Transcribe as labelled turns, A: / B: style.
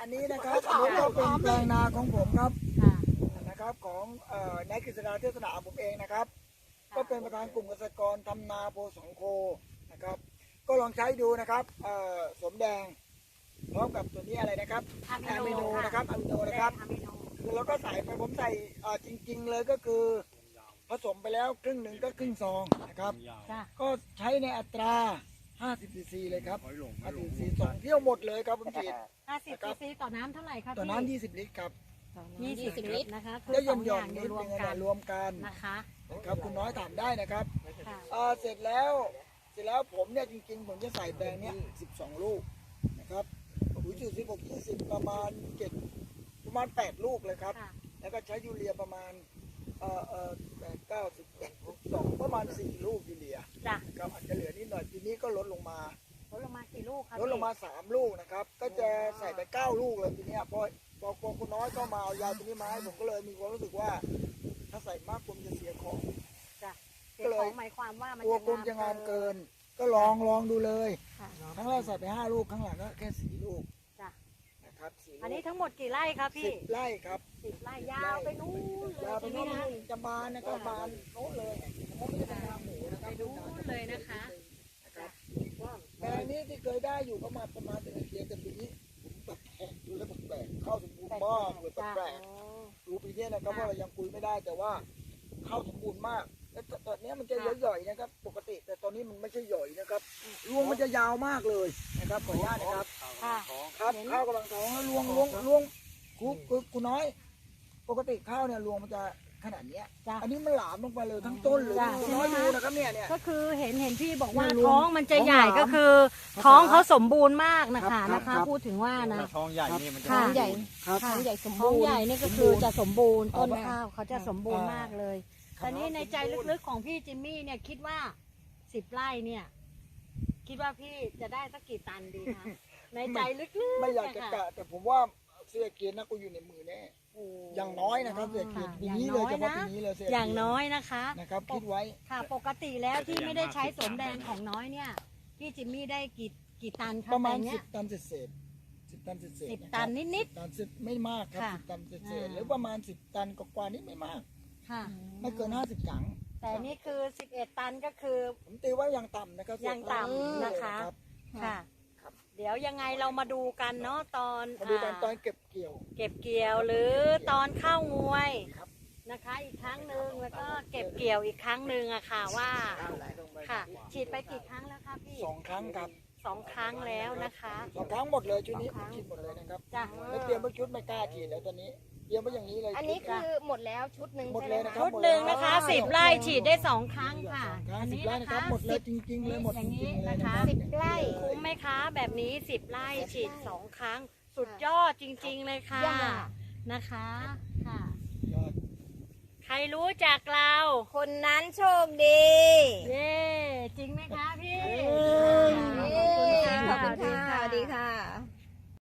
A: อันนี้นะครับอันนี้ก็เป็นแปลงนาของผมครับนะครับของนายกฤษดาเทศนาผมเองนะครับก็เป็นประธานกลุ่มเกษตรกรทำนาโพสองโคนะครับก็ลองใช้ดูนะครับสมแดงพร้อมกับตัวนี้อะไรนะครับอะมิโนนะครับอะมิโนนะครับคือเราก็ใส่ไปผมใส่จริงๆเลยก็คือผสมไปแล้วครึ่งหนึ่งก็ครึ่งซองนะครับก็ใช้ในอัตรา50 ซีซีเลยครับ50 ซีซี2เที่ยวหมดเลยครับผมฉีด
B: 50 ซีซีต่อน้ำเท่าไหร่ครับ
A: ต่อน้ำ20 ลิตรครับ
B: 20 ลิตรนะคะ
A: คือหย่อนๆนิดนึงรวมกัน
B: นะคะ
A: ครับคุณน้อยถามได้นะครับเสร็จแล้วผมเนี่ยจริงๆผมจะใส่แปลงเนี้ย12 ลูกนะครับปุ๋ยจุด16 20ประมาณ8 ลูกเลยครับแล้วก็ใช้ยูเรียประมาณ8 9 10 12ประมาณ4 ลูกยูเรียครับอาจจะเหลือนิดหน่อยปีนี้ก็ลดลงมา
B: กี่ลูกครับ
A: ลดลงมา3 ลูกนะครับก็จะใส่ไป9 ลูกเลยทีนี้พอคุณน้อยก็มาเอายาตัวนี้มาให้ผมก็เลยมีความรู้สึกว่าถ้าใส่มากผมจะเสียของ
B: ก็เลยหมายความว่ามัน
A: จะงามเกินก็ลองดูเลยครั้งแรกใส่ไป5 ลูกครั้งหลังก็แค่4 ลูกนะครับ
B: อันนี้ทั้งหมดกี่ไร่ครับพี่
A: 10 ไร่ครับ
B: 10 ไร่ยาวไปนู้น
A: ยาวไปนู้นจะบานนะครับบานโน้นเลยผมไม่ได้ทำหมูนะครับ
B: ไปนู้นเลยนะคะ
A: แปลงนี้ที่เคยได้อยู่ก็มาประมาณ1 เดือนแต่ปีนี้แปลกดูแล้วแปลกเข้าสมบูรณ์มากเลยแปลกดูปีนี้นะครับเพราะเรายังคุยไม่ได้แต่ว่าเข้าสมบูรณ์มากแล้วตอนนี้มันจะย่อยๆนะครับปกติแต่ตอนนี้มันไม่ใช่ย่อยนะครับรวงมันจะยาวมากเลยนะครับขออนุญาตนะครับครับข้าวกำลังท้องแล้วรวงคุณน้อยปกติข้าวเนี่ยรวงมันจะขนาดนี้อันนี้มันหลามลงไปเลยทั้งต้นเลยคุณน้อยดูนะครับเนี่ย
B: ก็คือเห็นพี่บอกว่าท้องมันจะใหญ่ก็คือท้องเขาสมบูรณ์มากนะคะพูดถึงว่านะ
C: ท้องใหญ่นี่มันจะ
B: ท้องใหญ่สมบูรณ์ท้องใหญ่นี่ก็คือจะสมบูรณ์ต้นข้าวเขาจะสมบูรณ์มากเลยแต่นี้ในใจลึกๆของพี่จิมมี่เนี่ยคิดว่า10 ไร่เนี่ยคิดว่าพี่จะได้สักกี่ตันดีคะในใจลึกๆ
A: ไม่อยากจะกะแต่ผมว่าเสื้อเกียร์นะกูอยู่ในมือแน่อย่างน้อยนะครับเสื้อเกียร์ปีนี้เลยเฉพาะปีนี้เลย
B: อย่างน้อยนะคะ
A: นะครับคิดไว้
B: ค่ะปกติแล้วที่ไม่ได้ใช้สมแดงของน้อยเนี่ยพี่จิมมี่ได้กี่ตัน
A: ประมาณ10 ตันเศษ10 ตันเศษ
B: 10 ตันนิด
A: ๆตันไม่มากครับ10 ตันเศษหรือประมาณ10 ตันกว่านี้ไม่มากไม่เกิน50 ถัง
B: แต่นี่คือ11 ตันก็คือ
A: ผมตีว่ายังต่ำนะครับ
B: ยังต่ำนะคะค่ะเดี๋ยวยังไงเรามาดูกันเนาะตอน
A: เก็บเกี่
B: ยวหรือตอนเข้างวยนะคะอีกครั้งหนึ่งแล้วก็เก็บเกี่ยวอีกครั้งหนึ่งอะค่ะว่าค่ะฉีดไปกี่ครั้งแล้วคะพี่
A: 2 ครั้งครับ
B: 2 ครั้งแล้วนะคะ
A: 2 ครั้งหมดเลยชุดนี้ฉีดหมดเลยนะครับแล้วเตรียมไว้ชุดไม่กล้าฉีดแล้วตอนนี้เตรียมไว้อย่างนี้เลย
D: อันนี้คือหมดแล้วชุดหนึ่ง
A: หมดเลยนะครับ
B: ชุดหนึ่งนะคะ10 ไร่ฉีดได้2 ครั้งค่ะ
A: อันนี้นะคะหมดเลยจริงๆเลยหมดจริงๆเลย
B: นะคะ
D: 10 ไร่
B: คุ้มไหมคะแบบนี้10 ไร่ฉีด2 ครั้งสุดยอดจริงๆเลยค่ะนะคะค่ะใครรู้จักเรา
D: คนนั้นโชคดี
B: เย้จริงไหมคะพี่
D: ขอบคุณค่ะสวัสดีค่ะ